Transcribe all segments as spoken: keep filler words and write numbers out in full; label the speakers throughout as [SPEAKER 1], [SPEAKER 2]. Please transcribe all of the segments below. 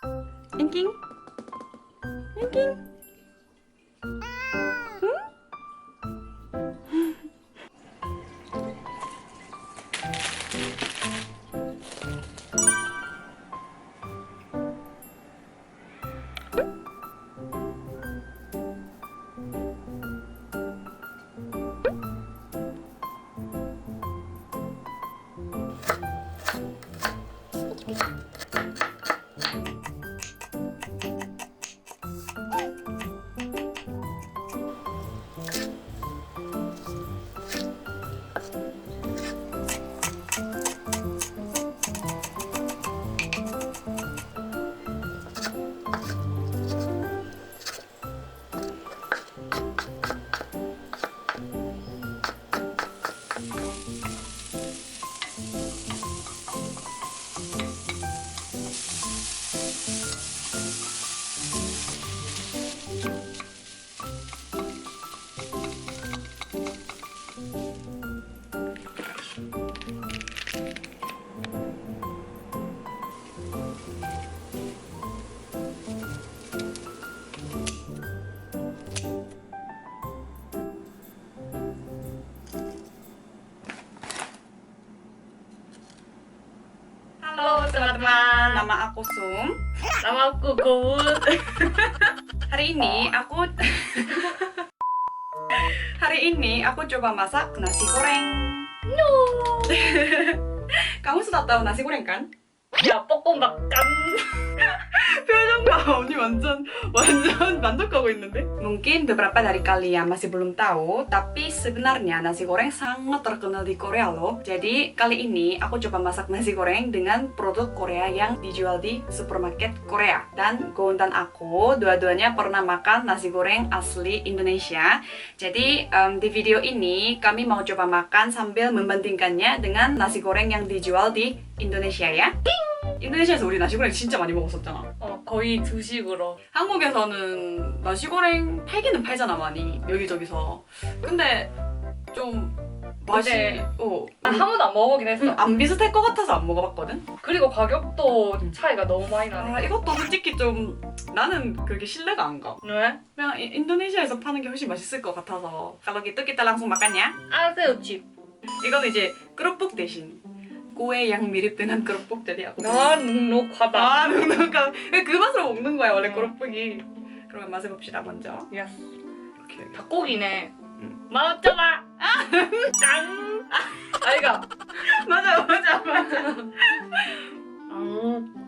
[SPEAKER 1] 앵킹? 앵킹?
[SPEAKER 2] Halo teman-teman,
[SPEAKER 1] Nama aku Sum.
[SPEAKER 2] nama aku Gowood.
[SPEAKER 1] Hari ini aku Hari ini aku coba masak nasi goreng.
[SPEAKER 2] No.
[SPEAKER 1] Kamu sudah tahu nasi goreng kan?
[SPEAKER 2] Ya, 뽀뽀막간.
[SPEAKER 1] 표정 봐, 언니 완전 완전 만족하고 있는데? Mungkin beberapa dari kalian masih belum tahu, tapi sebenarnya nasi goreng sangat terkenal di Korea loh. Jadi kali ini aku coba masak nasi goreng dengan produk Korea yang dijual di supermarket Korea. Dan Goon dan aku dua-duanya pernah makan nasi goreng asli Indonesia. Jadi em, di video ini kami mau coba makan sambil membandingkannya dengan nasi goreng yang dijual di Indonesia ya. 인도네시아에서 우리 나시고랭 진짜 많이 먹었었잖아.
[SPEAKER 2] 어, 거의 두식으로.
[SPEAKER 1] 한국에서는 나시고랭 팔기는 팔잖아 많이 여기저기서. 근데 좀 맛이
[SPEAKER 2] 근데
[SPEAKER 1] 어,
[SPEAKER 2] 아, 한 번도 안 먹어보긴 했어.
[SPEAKER 1] 음, 안 비슷할 것 같아서 안 먹어봤거든.
[SPEAKER 2] 그리고 가격도 차이가 너무 많이 나네.
[SPEAKER 1] 아 이것도 솔직히 좀 나는 그렇게 신뢰가 안 가.
[SPEAKER 2] 왜?
[SPEAKER 1] 그냥 이- 인도네시아에서 파는 게 훨씬 맛있을 것 같아서. Kalau gitu kita langsung makan ya.
[SPEAKER 2] 아새우칩.
[SPEAKER 1] 이거는 이제 크롭복 대신 꼬에 양 mirip dengan 크롭복 jadi aku.
[SPEAKER 2] 난 눅눅하다.
[SPEAKER 1] 아, 눅눅한. 그 맛으로 먹는 거야 원래
[SPEAKER 2] 음.
[SPEAKER 1] 크롭복이. 그러면 맛을 봅시다 먼저.
[SPEAKER 2] 예스.
[SPEAKER 1] 이렇게.
[SPEAKER 2] 닭고기네.
[SPEAKER 1] 응.
[SPEAKER 2] 맛없잖아. 짠. 아이가.
[SPEAKER 1] 맞아 맞아 맞아.
[SPEAKER 2] 음.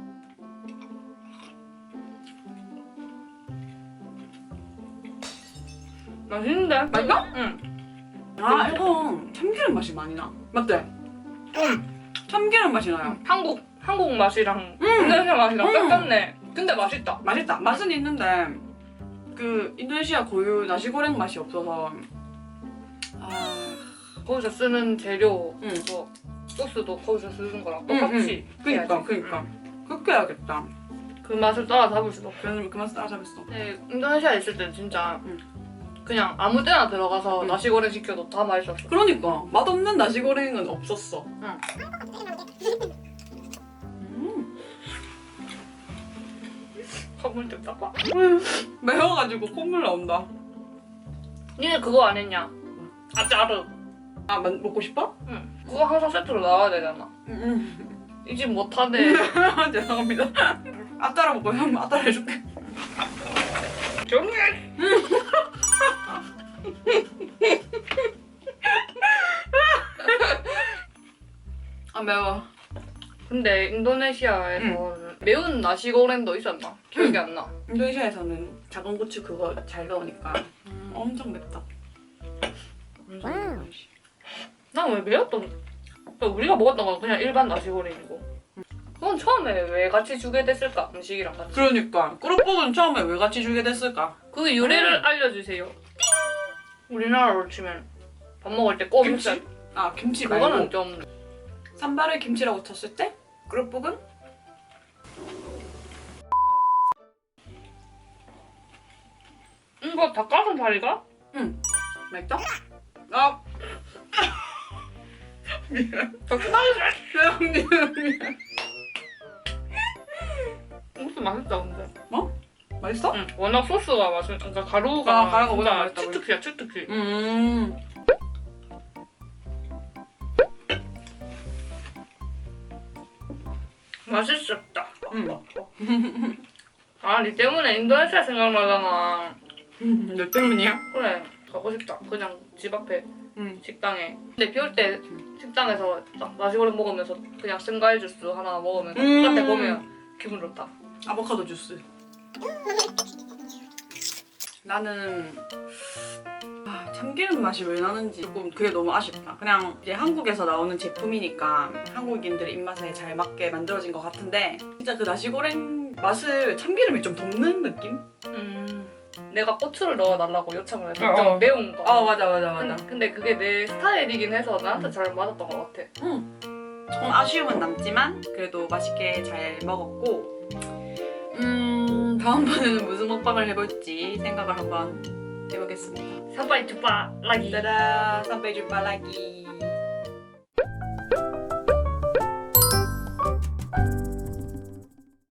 [SPEAKER 2] 맛있는데?
[SPEAKER 1] 맛있어?
[SPEAKER 2] 응.
[SPEAKER 1] 아 이거 참기름 맛이 많이 나. 맞대?
[SPEAKER 2] 응.
[SPEAKER 1] 참기름 맛이 나요.
[SPEAKER 2] 한국 한국 맛이랑
[SPEAKER 1] 음.
[SPEAKER 2] 인도네시아 맛이랑
[SPEAKER 1] 음.
[SPEAKER 2] 똑같네. 근데 맛있다.
[SPEAKER 1] 맛있다. 맛은 있는데 그 인도네시아 고유 나시고랭 맛이 없어서. 아
[SPEAKER 2] 거기서 쓰는 재료,
[SPEAKER 1] 응.
[SPEAKER 2] 뭐 소스도 거기서 쓰는 거랑
[SPEAKER 1] 응,
[SPEAKER 2] 똑같이.
[SPEAKER 1] 그니까
[SPEAKER 2] 해야지.
[SPEAKER 1] 그니까
[SPEAKER 2] 응.
[SPEAKER 1] 그렇게 해야겠다.
[SPEAKER 2] 그 맛을 따라잡을 수도 없어.
[SPEAKER 1] 그래서 그만 따라잡았어.
[SPEAKER 2] 네, 인도네시아에 있을 땐 진짜
[SPEAKER 1] 응.
[SPEAKER 2] 그냥 아무 때나 들어가서
[SPEAKER 1] 응.
[SPEAKER 2] 나시고랭 시켜도 다 맛있었어.
[SPEAKER 1] 그러니까 맛없는 나시고랭은 없었어.
[SPEAKER 2] 응.
[SPEAKER 1] 음.
[SPEAKER 2] 콧물 좀 닦아.
[SPEAKER 1] 매워가지고 콧물 나온다.
[SPEAKER 2] 니네 그거 안 했냐? 아짜르.
[SPEAKER 1] 아 마, 먹고 싶어?
[SPEAKER 2] 응. 그거 항상 세트로 나와야 되잖아.
[SPEAKER 1] 응.
[SPEAKER 2] 이 집 못하네.
[SPEAKER 1] 죄송합니다. 아따라 먹고 형 아따라 해줄게.
[SPEAKER 2] 조용히 해.
[SPEAKER 1] 아 매워.
[SPEAKER 2] 근데 인도네시아에서 매운 나시고랭도 있었나? 기억이 안 나.
[SPEAKER 1] 인도네시아에서는 작은 고추 그거 잘 넣으니까 엄청 맵다.
[SPEAKER 2] 난 왜 매웠던? 우리가 먹었던 건 그냥 일반 나시고랭이고. 그건 처음에 왜 같이 주게 됐을까? 음식이랑 같이.
[SPEAKER 1] 그러니까 꾸룩복은 처음에 왜 같이 주게 됐을까?
[SPEAKER 2] 그 유래를 알려주세요. 띵! 우리나라로 치면 밥 먹을 때 꼭
[SPEAKER 1] 김치?
[SPEAKER 2] 김치.
[SPEAKER 1] 아 김치 말고
[SPEAKER 2] 그거는 좀
[SPEAKER 1] 산발을 김치라고 쳤을 때 꾸룩복은
[SPEAKER 2] 이거 닭가슴살이가?
[SPEAKER 1] 맛있다? 아 미안.
[SPEAKER 2] 닭가슴살.
[SPEAKER 1] 미안 미안 미안.
[SPEAKER 2] 무슨 소스 맛있다 근데.
[SPEAKER 1] 맛있어?
[SPEAKER 2] 응. 워낙 소스가 맛있. 그러니까 가루가
[SPEAKER 1] 아, 가루가
[SPEAKER 2] 진짜
[SPEAKER 1] 워낙 맛있다고.
[SPEAKER 2] 치트키야 치트키.
[SPEAKER 1] 음.
[SPEAKER 2] 맛있었다.
[SPEAKER 1] 음.
[SPEAKER 2] 아, 니 때문에 인도네시아 생각나잖아.
[SPEAKER 1] 너 때문이야?
[SPEAKER 2] 그래, 가고 싶다. 그냥 집 앞에
[SPEAKER 1] 응.
[SPEAKER 2] 식당에. 근데 비 올 때 식당에서 딱 나시고랭 먹으면서 그냥 생과일 주스 하나 먹으면서
[SPEAKER 1] 음.
[SPEAKER 2] 바깥에 보면 기분 좋다.
[SPEAKER 1] 아보카도 주스. 나는 아, 참기름 맛이 왜 나는지 조금 그게 너무 아쉽다. 그냥 이제 한국에서 나오는 제품이니까 한국인들의 입맛에 잘 맞게 만들어진 것 같은데 진짜 그 나시고랭 맛을 참기름이 좀 덮는 느낌?
[SPEAKER 2] 음. 내가 고추를 넣어달라고 요청을 해서
[SPEAKER 1] 어,
[SPEAKER 2] 좀
[SPEAKER 1] 어.
[SPEAKER 2] 매운 거.
[SPEAKER 1] 어 맞아 맞아 맞아.
[SPEAKER 2] 근데, 근데 그게 내 스타일이긴 해서 나한테 잘 맞았던 것 같아.
[SPEAKER 1] 응. 조금 아쉬움은 남지만 그래도 맛있게 잘 먹었고 음 다음번에는 무슨 먹방을 해볼지 생각을 한번 해보겠습니다.
[SPEAKER 2] 사바이 투바 라기.
[SPEAKER 1] 짜잔! 삼배주 빨라기